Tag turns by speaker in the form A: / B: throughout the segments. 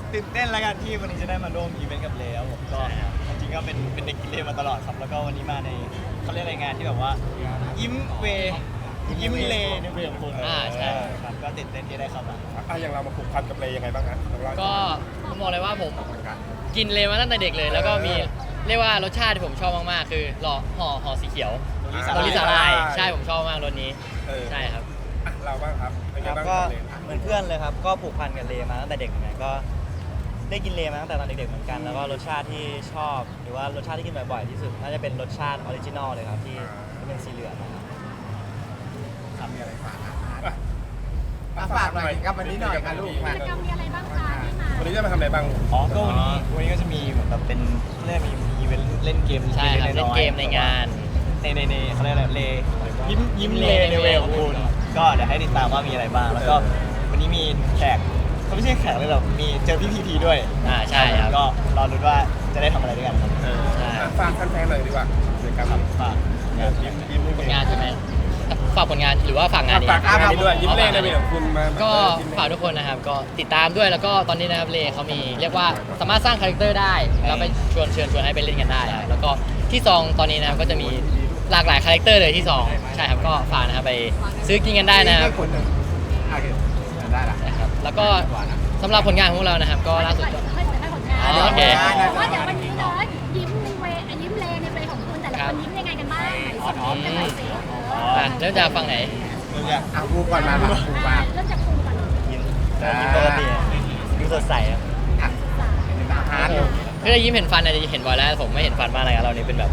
A: ตื่นเต้นแล้วกันที่วันนี้จะได้มาร่วมอีเวนต์กับเลวผมก็จริงๆก็เป็นเด็กกินเลมาตลอดครับแล้วก็วันนี้มาในเขาเรียกอะไรงานที่แบบว่ายิ้มเวยิ้มเลในเวของคุณ
B: ใช่
A: ครับก็ตื่นเต้นที่ได้เข้ามา
C: อย่างเรามาผูกพันกับเลยังไงบ้างฮะ
B: ก็ผมบอกเลยว่าผมกินเลมาตั้งแต่เด็กเลยแล้วก็มีเรียกว่ารสชาติที่ผมชอบมากๆคือห่อสีเขียวโรลิสาลายใช่ผมชอบมากรสนี้ใช่ครับ
C: เราบ้างครับเป็นไงบ้าง
A: ก็เหมือนเพื่อนเลยครับก็ผูกพันกับเลมาตั้งแต่เด็กเหมือนกันก็ได้กินเลมาตั้งแต่ตอนเด็กๆเหมือนกันแล้วก็รสชาติที่ชอบหรือว่ารสชาติที่กินบ่อยๆที่สุดน่าจะเป็นรสชาติออริจินอลเลยครับที่เป็นสีเหลืองนะครับ
C: มีอะไรฝาก
D: ฝากหน่อยครับวันนี้หน่อยค่ะลูกมา
E: กิจกรรมมีอะไรบ้างคะที่มา
C: วันนี้จะมาทำอะไรบ้าง
A: อ๋อก็วันนี้ก็จะมีเหมือนแบบเป็นเขาเรียกมีอีเวนต์เล่นเกม
B: ใช่ครับเล่นเกมในงาน
A: ในเขาเรียกอะไรเลยิ้มเลในเวของคุณก็เดี๋ยวให้ติดตามว่ามีอะไรบ้างแล้วก็วันนี้มีแขกเขาไม่ใช่แขกเลยหรอกมีเจอพี่พีด้วย
B: ใช่ครับ
A: ก็รอรุ้นว่าจะได้ทำอะไรด้วยกันครับ
B: ใช่
C: ฝากแฟนๆหน่อยดีกว่าเดี๋ยวครับ
A: ฝากงานยิ้ม
B: ผลงานใช่ไหมฝากผลงานหรือว่าฝากงานนี้
C: ฝากงานนี้ด้วยยิ้มเลในเวของคุณมา
B: ก็ฝากทุกคนนะครับก็ติดตามด้วยแล้วก็ตอนนี้นะครับเลเขามีเรียกว่าสามารถสร้างคาแรคเตอร์ได้แล้วไปเชิญชวนให้ไปเล่นกันได้ครับแล้วก็ที่ซองตอนนี้นะครับก็จะมีหลากหลายคาแรคเตอร์เลยที่ซองใช่ครับก็ฝากนะครับไปซื้อกินกันได้นะครับ
D: ได้ละ
B: นะครับแล้วก็สำหรับผลงานของพวกเรานะครับก็ล่าสุดก็
E: ให้ผลงาน
B: โอเค
E: ว่าเดี๋ยววันนี้เนาะยิ้มในเวยิ้มเลในเวของคุณแต่ละคนยิ้มยังไงกันบ้างไหนส่งยิ้มกันหน่อยสิ
B: เริ่มจากฟังไหน
D: พูก่อนมาพูมา
E: เริ่มจากคุณก่อน
A: ยิ้มปกติยิ้มสดใสครับ
D: ฮาร์ด
B: คือยิ้มเห็นฟันอาจจะเห็นบ่อยแล้วผมไม่เห็นฟันมากอะไรกันเรานี่เป็นแบบ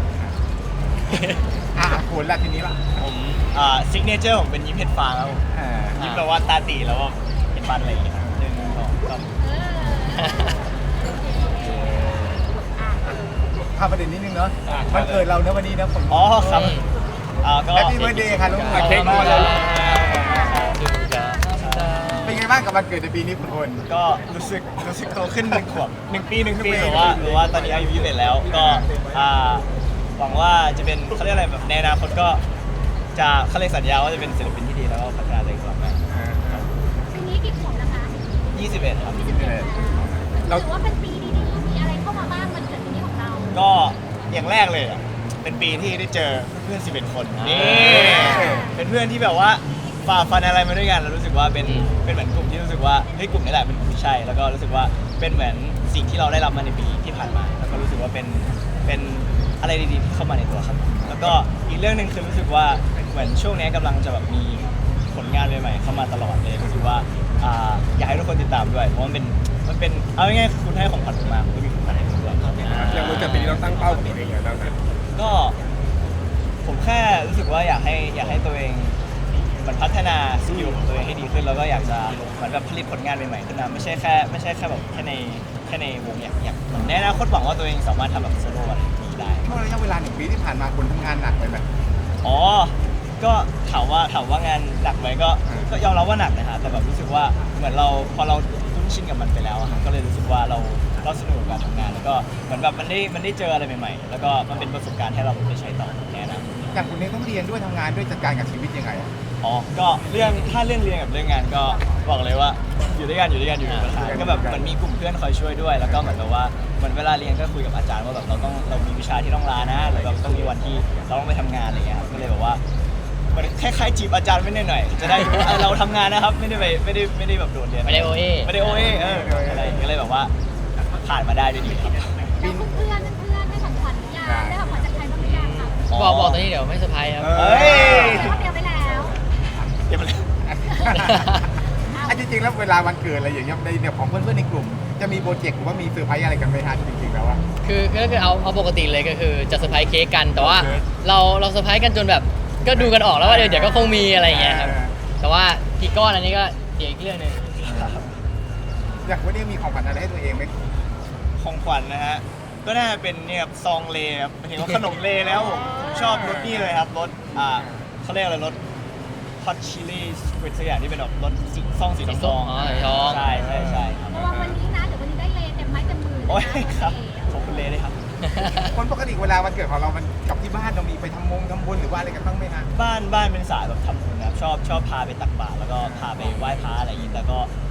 D: คุณละทีนี้ละ
A: ผมซิกเนเจอร์ผมเป็นยิ้มเห็ดฟางครับผมยิ้มแบบว่าตาตีแล้วว่าเห็นฟันอะไรอย่างเงี้ย1 2 3
D: พาประเด็นนิดนึงเนาะวันเกิดเราเนอะวันนี้นะผม
A: อ๋อครับก็
D: แฮปปี้เบิร์ดเดย์ค่ะลูก
A: เค้กมาแล้ว
D: เป็นไงบ้างกับวันเกิดในปีนี้คุณพล
A: ก็รู้สึกโตขึ้น1 ขวบ1 ปีหรือว่าตอนนี้อายุ21แล้วก็หวังว่าจะเป็นเขาเรียกอะไรแบบในอนาคตก็จะเขาเรียกสัญญาว่าจะเป็นศิลปินที่ดีแล้วก็พัฒนาตัวเองต่อไป
E: ปีนี้กี่ขวบนะคะ
A: 21ครับ
E: เราถือว่าเป็นปีดีๆมีอะไรเข้ามาบ้างวันเกิดปีนี้ของเรา
A: ก็อย่างแรกเลยเป็นปีที่ได้เจอเพื่อน11 คนนี่เป็นเพื่อนที่แบบว่าฝ่าฟันอะไรมาด้วยกันแล้วรู้สึกว่าเป็นเหมือนกลุ่มที่รู้สึกว่าเฮ้ยกลุ่มนี้แหละเป็นกลุ่มที่ใช่แล้วก็รู้สึกว่าเป็นเหมือนสิ่งที่เราได้รับมาในปีที่ผ่านมาแล้วก็รู้สึกว่าเป็นอะไรดีๆที่เข้ามาในตัวครับแล้วก็อีกเรื่องหนึ่งคือรู้สึกว่าเหมือนช่วงนี้กำลังจะแบบมีผลงานใหม่ๆเข้ามาตลอดเลยรู้สึกว่าอยากให้ทุกคนติดตามด้วยเพราะมันเป็นเอาง่ายๆคุณให้ของขวัญผมมาผมก็มีของขวัญให้คุณด้วยครับ
C: อย่างวันเกิดปีนี้เราตั้งเป้ากับตัวเองไงบ้างครับ
A: ก็ผมแค่รู้สึกว่าอยากให้ตัวเองมันพัฒนาสกิลของตัวเองให้ดีขึ้นแล้วก็อยากจะเหมือนแบบผลิตผลงานใหม่ๆขึ้นมาไม่ใช่แค่แบบแค่ในวงอยากในอนาคตหวังว่าตัวเองสามารถทำแบบโซโล่อะไรนี้ได้
D: ช่วงระยะเวลา1 ปีที่ผ่านมาคุณทำงานหนักไปไหม
A: อ๋อก็ถามว่างานหนักไหมก็ยอมรับว่าหนักนะฮะแต่แบบรู้สึกว่าเหมือนเราพอเราคุ้นชินกับมันไปแล้วอะก็เลยรู้สึกว่าเราสนุกกับการทำงานแล้วก็เหมือนแบบมันได้เจออะไรใหม่ๆแล้วก็มันเป็นประสบการณ์ให้เราไปใช้ต่อแน่นะ
D: อย่างคุณนี้ต้องเรียนด้วยทำงานด้วยจัดการกับชีวิตยังไง
A: อ๋อก็ถ้าเรื่องเรียนกับเรื่องงานก็บอกเลยว่าอยู่ด้วยกันอยู่ปัญหาก็แบบเหมือนมีกลุ่มเพื่อนคอยช่วยด้วยแล้วก็เหมือนแบบว่าเหมือนเวลาเรียนก็คุยกับอาจารย์ว่าแบบเรามีวิชาที่ต้องลานะหรือแบบต้องมีวันที่เราต้องไปทำงานอะไรเงี้ยก็เลยแบบว่ามันคล้ายๆจีบอาจารย์ไม่หน่อยจะได้เราทำงานนะครับไม่ได้แบบโดดเรียน
B: ไม่ได้โอเอ
A: อะไรก็เลยแบบว่าผ่านมาได้ด้วยดีครับ
E: แล้วเพื่อนได้ของขวัญยังได้ของขวัญจากใครบ้างหรือยังครับ
B: บอกตอนนี้เดี๋ยวไม่เซอร์ไพรส์ครับ
E: เตรียมไว้แล้ว
D: จริงๆแล้วเวลาวันเกิดอะไรอย่างเงี้ยในเนี่ยของเพื่อนๆในกลุ่มจะมีโปรเจกต์หรือว่ามีเซอร์ไพรส์อะไรกันไหมฮะจริงๆแล้วว่า
B: คือเอาปกติเลยก็คือจะเซอร์ไพรส์เค้กกันแต่ว่าเราเซอร์ไพรส์กันจนแบบก็ดูกันออกแล้วว่าเดี๋ยวก็คงมีอะไรอย่างเงี้ยครับแต่ว่ากี่ก้อนอันนี้ก็เดี๋ยวอีกเรื่องนึง
D: อยากวันนี้มีของขวัญอะไรให้ตัวเองไหม
A: ของขวัญนะฮะก็น่าจะเป็นเนี่ยซองเลครับหมายถึงว่าขนมเลแล้วผมชอบรสนี่เลยครับรสเขาเรียกอะไรรสฮอตชิลลี่สควิดสักอย่างที่เป็นแบบรสซองสีทองใช่ครับ
E: ระวังวันนี้นะเดี๋ยววันนี้ได้เลเต็มไม้เต็มมือ
A: โอ้ยครับขอบคุณเลด้วยครับ
D: คนปกติเวลาวันเกิดของเรามันกับที่บ้านเรามีไปทำบุญหรือว่าอะไรกันบ้างไหมฮะ
A: บ้านเป็นสายแบบทำบุญนะครับชอบพาไปตักบาตรแล้วก็พาไปไหว้พระอะไรอย่างนี้แต่ก็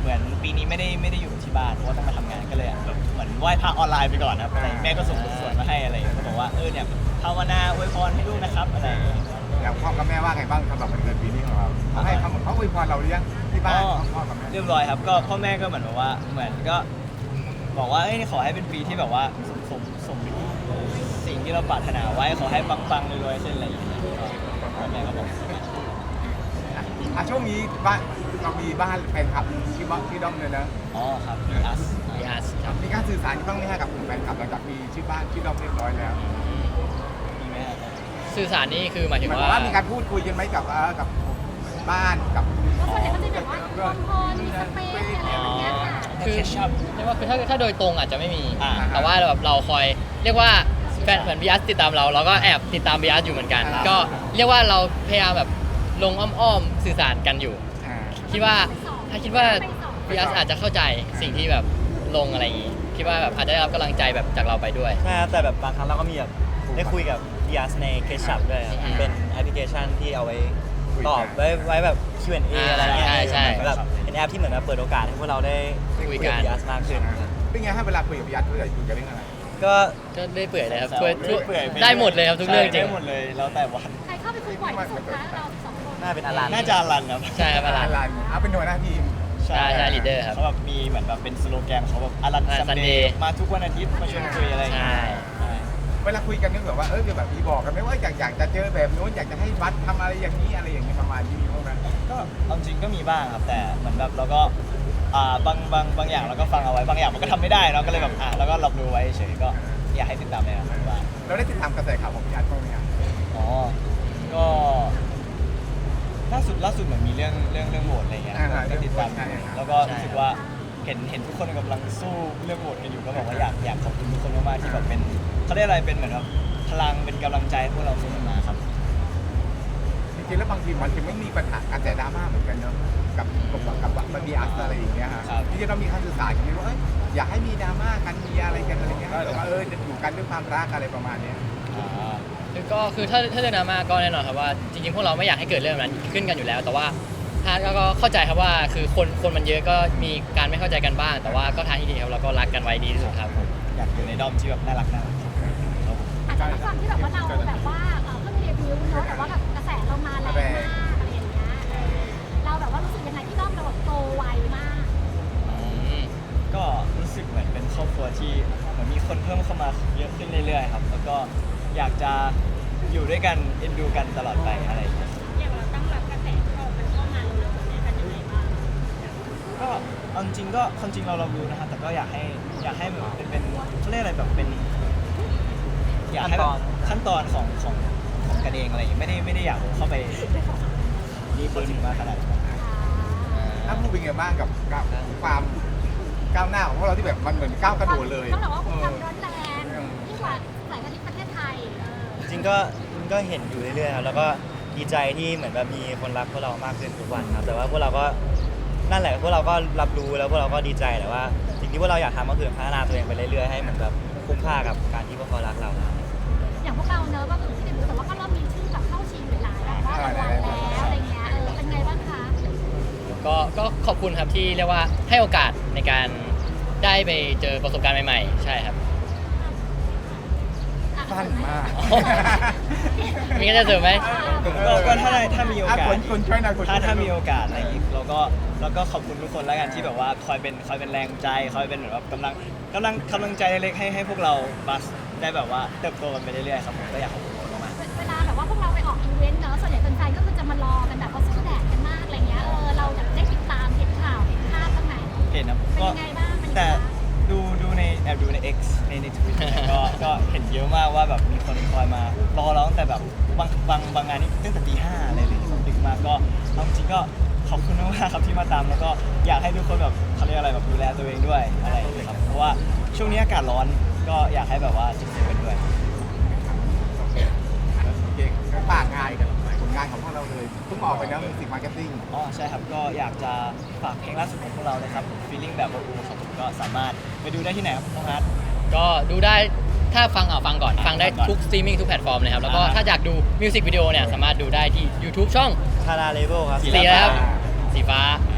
A: เหมือนปีนี้ไม่ได้อยู่ที่บ้านเพราะว่าต้องมาทำงานก็เลยแบบเหมือนไหว้พระออนไลน์ไปก่อนนะครับอะไรแม่ก็ส่งบทสวดมาให้อะไรก็บอกว่าเนี่ยภาวนาอวยพรให้ลูกนะครับอะไรอย่างเงี้ย
D: อย่างพ่อกับแม่ว่าไงบ้างสำหรับวันเกิดปีนี้ของเราเขาอวยพรเราหรือยังที่บ้านพ่อกับแม่
A: เรียบร้อยครับก็พ่อแม่ก็เหมือนแบบว่าเหมือนก็บอกว่าขอให้เป็นปีที่แบบว่าสมสิ่งที่เราปรารถนาไว้ขอให้ปังๆรวยๆเช่นอะไรอย่างเงี้ยพ่อแม่ก็บอก
D: ช่วงนี้บ้านเรามีบ้านแฟนคลับที่ด้อมเลยนะ
A: อ๋อครับมีอัส
B: BS ครับ
D: มีการสื่อสารบ้างไหมฮะกับกลุ่มแฟนคลับหลังจากมีชื่อบ้านชื่อด้อมเรียบร้อยแล้ว
A: มีไหมครับ
B: สื่อสารนี่คือหมายถึง
D: หมาย
B: ว่า
D: ว่ามีการพูดคุยกันไหมกับบ้านกับ
E: เพราะส่วนใหญ่ก็จะแบบว่าพรมีสเปซอะไรแบบเนี้ยค่ะ
B: คือ
A: แคชชัพ
B: เรียกว่าคือถ้าโดยตรงอาจจะไม่มี
A: อ่า
B: แต่ว่าแบบเราคอยเรียกว่าแฟนเหมือน BS ติดตามเราก็แอบติดตาม BS อยู่เหมือนกัน ก็เรียกว่าเราพยายามแบบลงอ้อมๆสื่อสารกันอยู่ คิดว่าคิดว่า BS อาจจะเข้าใจสิ่งที่แบบลงอะไรอย่างงี้คิดว่าแบบอาจจะได้รับกำลังใจแบบจากเราไปด้วย
F: ใช่ครับแต่แบบบางครั้งเราก็มีแบบได้คุยกับ BS ใน Case Shop ด้วยครับ
B: อืม
F: เป็นแอปพลิเคชันที่เอาไว้ตอบไว้แบบ Q&A อะไรเงี้ย
B: ใช่
F: แบบเป็นแอปที่เหมือนแบบเปิดโอกาสให้พวกเราได้
B: คุย
F: กั
B: กับ
F: BS มากขึ้นครับ
D: เป็นไงให้เวลาคุยกับพี่ยัดคุยกันเรื่องอะไร
F: ก็
B: ก็ได้เปื่อยเลยครับ
A: แซว
B: ช่วย
A: เปื่อยๆ
B: ได้หมดเลยครับทุกเรื่องจริง
A: ได้หมดเลยแล้วแต่วัน
E: ใครเข้าไปคุยบ่อยที่สุดคะเราสองคน
F: น่าเป็นอลัน
A: น่าจะอลันครับ
B: ใช่ครับอลัน
D: เป็นหัวหน้าทีม
B: ใช่leader ครับ
A: เขาแบบมีเหมือนแบบเป็นสโลแกนเขาแบบอลัน
B: Alan
A: ซันเด
B: Sunday
A: ย์มาทุกวันอาทิตย์มาชวนคุยอะไรอย่างเงี้ย
B: ใช่
A: ใช่
D: เวลาคุยกันนึกแบบว่าแบบมีบอกกันไหมว่าอยากจะเจอแบบนู้นอยากจะให้วัดทำอะไรอย่างนี้อะไรอย่างเงี้ยประมาณนี้มีบ้างไหม
A: ก็เอาจริงก็มีบ้างครับแต่เหมือนแบบเราก็บางอย่างเราก็ฟังเอาไว้บางอย่างมันก็ทำไม่ได้เนาะก็เลยแบบแล้วก็รับรู้ไว้เฉยก็อยากให้ติดตามเลยนะครับว่า
D: เราได้ติดตามกระแสข่าวของพี่ยัดบ้างไหมครับ
A: อ๋อก็ล่าสุดเหมือนมีเรื่องโหวตอะไรเงี้ยก็ติดตามอยู่แล้วก็รู้สึกว่าเห็นทุกคนกำลังสู้เรื่องโหวตกันอยู่ก็บอกว่าอยากขอบคุณทุกคนมากๆที่แบบเป็นเขาเรียกอะไรเป็นเหมือนแบบพลังเป็นกำลังใจให้พวกเราสู้กันมาครับ
D: จริงๆแล้วบางทีมันจะไม่มีปัญหากระแสดราม่าเหมือนกันเนาะกับมันมีอัสอะไรอย่างเงี้ยฮะที่จะต้องมีการสื่อสารกันว่าอยากให้มีดราม่ากันมีอะไรกันอะไรเงี้ยแต่ว่าจะอยู่กันด้วยความรักอะไรประมาณเนี้ย
B: คือถ้าเรื่องดราม่าก็แน่นอนครับว่าจริงๆพวกเราไม่อยากให้เกิดเรื่องนั้นขึ้นกันอยู่แล้ว แต่ว่าทางก็เข้าใจครับว่าคือคนมันเยอะก็มีการไม่เข้าใจกันบ้าง แต่ว่าก็ทางที่ดีครับเราก็รักกันไว้ดีที่สุดครับ
A: อยากอยู่ในด้อมที่แบบน่ารักครับ
E: อาจจะด้วยความที่แบบว่าเราแบบว่าเพิ่งเดบิวต์เนาะแต่ว่าแบบกระแสเรามาแรงมากอะไรอย่างเงี้ยเราแบบว่ารู้สึกยังไงที่ด้อมเราแบบโตไวมาก
A: ก็รู้สึกเหมือนเป็นครอบครัวที่เหมือนมีคนเพิ่มเข้ามาเยอะขึ้นเรื่อยๆครับแล้วก็อยากจะอยู่ด้วยกันเอ็นดูกันตลอดไปอะไรอย่างเงี้ย
E: อย่างเราตั้งรับกระแสมันเข้ามาเราเนี่ยกันยังไงบ้าง
A: ก็เอาจริงก็ความจริงเรารู้นะครับแต่ก็อยากให้เหมือนเป็นเขาเรียกอะไรแบบเป็นอยากให้แบบขั้นตอนของกันเองอะไรอย่างเงี้ยไม่ได้อยากเข้าไปนี่พูดถึงมาขนาดนั้น
D: ถ้าพูดเป็นไงบ้างกับความก้าวหน้าของพวกเราที่แบบมันเหมือนก้าวกระโดดเลย
E: ต้องบอกว่าความร้อนแรงยิ่งกว่าสายการบินประเทศไทย
F: จริงก็เห็นอยู่เรื่อยๆครับแล้วก็ดีใจที่เหมือนแบบมีคนรักพวกเรามากขึ้นทุกวันครับแต่ว่าพวกเราก็นั่นแหละพวกเราก็รับรู้แล้วพวกเราก็ดีใจแต่ว่าสิ่งที่พวกเราอยากทำก็คือพัฒนาตัวเองไปเรื่อยๆให้เหมือนแบบคุ้มค่ากับการที่พวกเขารักเรา
E: อย่างพวกเราเนอะก็คือที่เดบิวต์แต่ว่าก็เริ่มมีชื่อแบบเข้าชิงหลายๆแบบว่ารางวัลแล้วอะไรเงี้ยเป็นไงบ้างคะ
B: ก็ขอบคุณครับที่เรียกว่าให้โอกาสในการได้ไปเจอประสบการณ์ใหม่ๆ ใช่ครับ
D: สั้นมาก
B: มีก็จะเสริมไหม
A: ก็ถ้ามีโอกาส
D: คนช่วยหน่อยคนช่วยหน่อย
A: ถ้ามีโอกาสอะไรอย่างงี้เราก็ขอบคุณทุกคนแล้วกันที่แบบว่าคอยเป็นแรงใจคอยเป็นเหมือนแบบกำลังใจเล็กๆให้พวกเราบัสได้แบบว่าเติบโตกันไปเรื่อยๆครับผมก็อยากขอบคุณทุกคนมาก
E: เวลาแบบว่าพวกเราไปออกอีเวนต์เนอะส่วนใหญ่แฟนๆก็คือจะมารอกันแบบว่าสู้แดดกันมากอะไรเงี้ยเราอยากได้ติดตามเห็นข่าวเห็นภาพบ้างไหม
A: ๆเห็นนะ
E: เป็น
A: ก็
E: ยังไงบ้างเป็นยังไง
A: แต่
E: บ้าง
A: ดูในแอบดูใน X ใน Twitter ก็เห็นเยอะมากว่าแบบมีคนคอยมารอเราตั้งแต่แบบบางงานนี่ตั้งแต่ตี 5อะไรเลยดึกมากก็เอาจริงก็ขอบคุณมากๆครับที่มาตามแล้วก็อยากให้ทุกคนแบบเขาเรียกอะไรแบบดูแลตัวเองด้วยอะไรอย่างเงี้ยครับเพราะว่าช่วงนี้อากาศร้อนก็อยากให้แบบว่าจิบๆกันด้วย
D: ฝากงานกับผลงานของพวกเราเลยเพิ่งออกไปแล้วมิวสิกมาร์เก็ตติ้ง
A: อ๋อใช่ครับก็อยากจะฝากเพลงล่าสุดของพวกเรานะครับ Feeling แบบอูครับผมก็สามารถไปดูได้ที่ไหนครับน้องฮัท
B: ก็ดูได้ถ้าฟังก่อนฟังได้ทุกสตรีมมิ่งทุกแพลตฟอร์มเลยครับแล้วก็ถ้าอยากดูมิวสิกวิดีโอเนี่ยสามารถดูได้ที่ YouTube ช่อง
F: ทาราเลเวลครับ
B: สีแล้วสีฟ้า